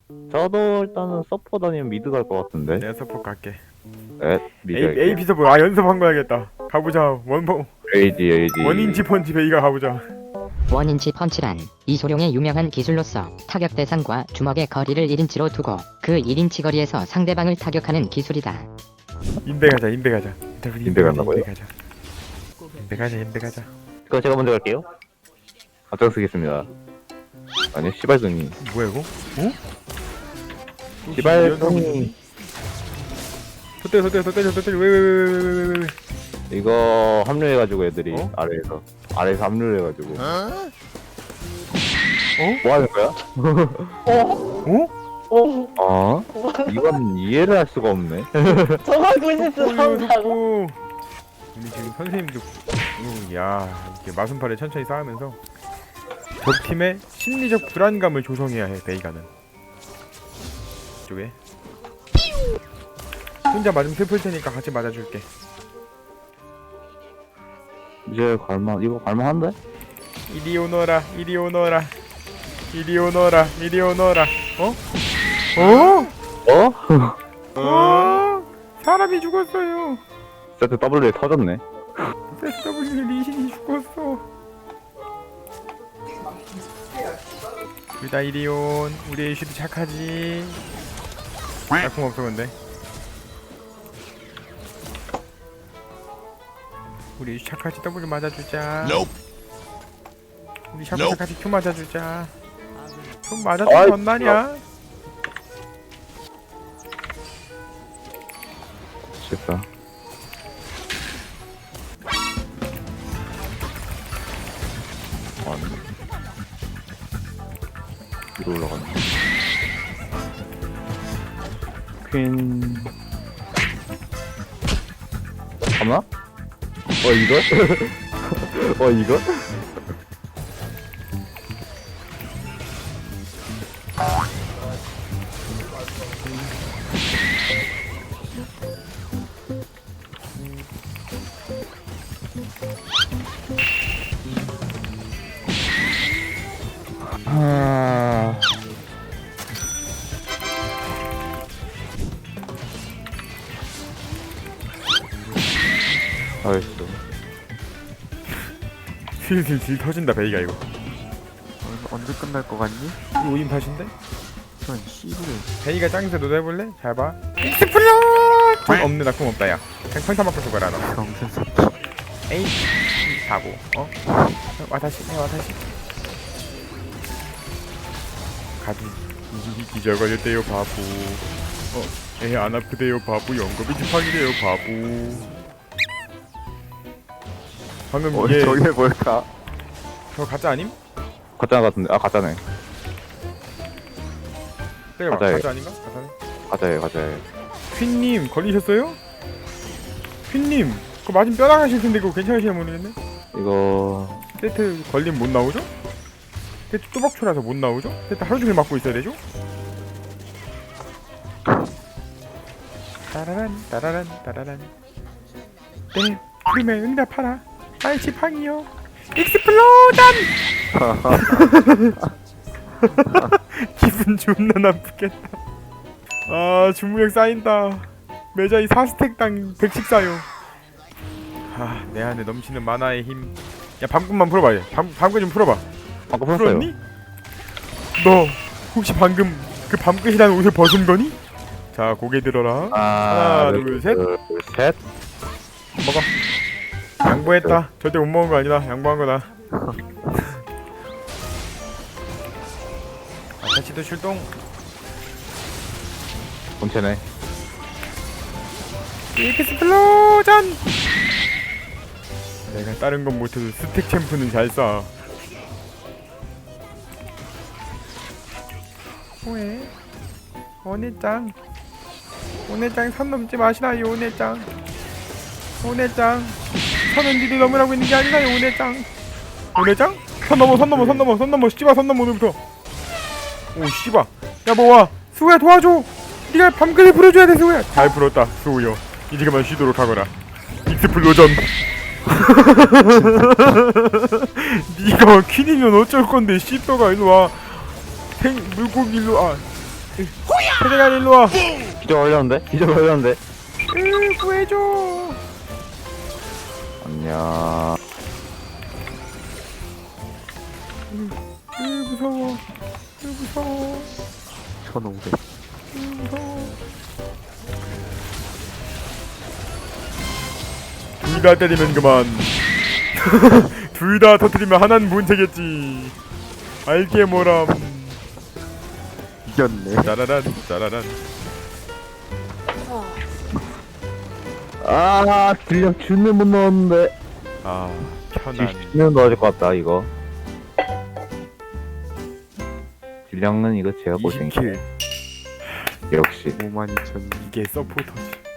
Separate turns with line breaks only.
저도 일단은 서포 다니면 미드 갈 것 같은데.
내가 서포 갈게.
미드
AP 서포. 아 연습한 거 해야겠다. 가보자.
AD
원인치 펀치 베이가 가보자.
원인치 펀치란 이소룡의 유명한 기술로서 타격 대상과 주먹의 거리를 1인치로 두고 그 1인치 거리에서 상대방을 타격하는 기술이다.
인베 가자. 인베 가자.
인베 간다고요?
인베 가자.
그럼 제가 먼저 갈게요. 앞장 쓰겠습니다. 아니 시발둥이.
뭐야 이거? 어?
시발둥이.
소 왜.
이거 합류해가지고 애들이
어?
아래에서 합류해가지고. 뭐 하는 거야? 이건 이해를 할 수가 없네.
정하고 싶어
좋고. 우리 지금 선생님도 야 이렇게 마순팔에 천천히 쌓으면서 적 팀의 심리적 불안감을 조성해야 해. 베이가는 이쪽에 혼자 맞으면 슬플 테니까 같이 맞아줄게.
이제 이거 갈만한데?
이리 오너라. 사람이 죽었어요.
세트 W에 터졌네.
SW 리신이 죽었어. 유다 이리온. 우리 에이슈도 착하지. 약품 없어 근데. 우리 에이슈 착하지. W 맞아주자. 우리 샤프 착하지. Q 맞아주자. 좀 맞아주면 얼마냐?
미치겠다. 위로 올라가네. 퀸. 가나? 이걸? 이걸? 알겠어.
슬슬 질 터진다 베이가 이거.
언제 끝날 것 같니?
이 5인 팟인데?
전 씨부를
베이가 짱에서 너도 해볼래? 잘 봐. 익스플로! 돈 없네. 나 돈 없다 야. 그냥 평타 맞고 죽어라 너.
평생 섭
에이 바보. 와다시. 가지. 기절걸렸대요 바보. 애 안 아프대요 바보. 연금이 지팡이래요 바보. 방금 얘
저게 뭘까?
저 가짜 아님?
가짜 같은데. 가짜네.
때려봐.
가짜예요.
가짜 아닌가?
가짜예.
퀸님 걸리셨어요? 퀸님 그거 맞으면 뼈 나가실 텐데 그거 괜찮으시나 모르겠네.
이거
세트 걸림 못 나오죠? 세트 뚜벅초라서 못 나오죠? 세트 하루 종일 맞고 있어야 되죠? 따라란 네 부름에 응답하라 나의 지팡이요 익스플로전. 기분 존나 나쁘겠다. 주무력 쌓인다. 매자이 4스택당 100씩 쌓여. 내 안에 넘치는 만화의 힘. 야 방금만 풀어봐. 방금 좀 풀어봐.
아까 풀었어요.
풀었니? 너 혹시 방금 그 밤끝이라는 옷을 벗은 거니? 자 고개 들어라. 하나, 둘, 셋.
셋.
먹어. 양보했다. 절대 못 먹은 거 아니다. 양보한 거다. 다시도 출동.
본체네.
익스플로전. 내가 다른 건 못해도 스택 챔프는 잘 쏴. 왜? 오네짱 선 넘지 마시라요. 오네짱 선은 니들 넘으라고 있는 게 아니라요. 오네짱 선 넘어 씨바 선 넘어 오늘부터. 오 씨바 야 뭐와 수호야 도와줘. 네가 밤끝을 풀어줘야 돼. 수호야 잘 풀었다. 수호여 이제 그만 쉬도록 하거라. 익스플로전. 니가 퀸이면 어쩔 건데. 씨또가 일로와. 물고기 일로와. 세대가 일로와.
기절 걸렸는데? 기절 걸렸는데?
구해줘.
안녕.
무서워. 무서워.
1500.
무서워. 둘 다 때리면 그만. 둘 다 터뜨리면 하나는 문제겠지. 알게 뭐람.
이겼네.
짜라란 짜라란.
아, 딜량 주는 못 넣었는데.
아 편안.
주는 넣어줄 것 같다, 이거. 딜량은 이거 제가 고생.
20킬.
역시.
52,000.
이게 서포터지.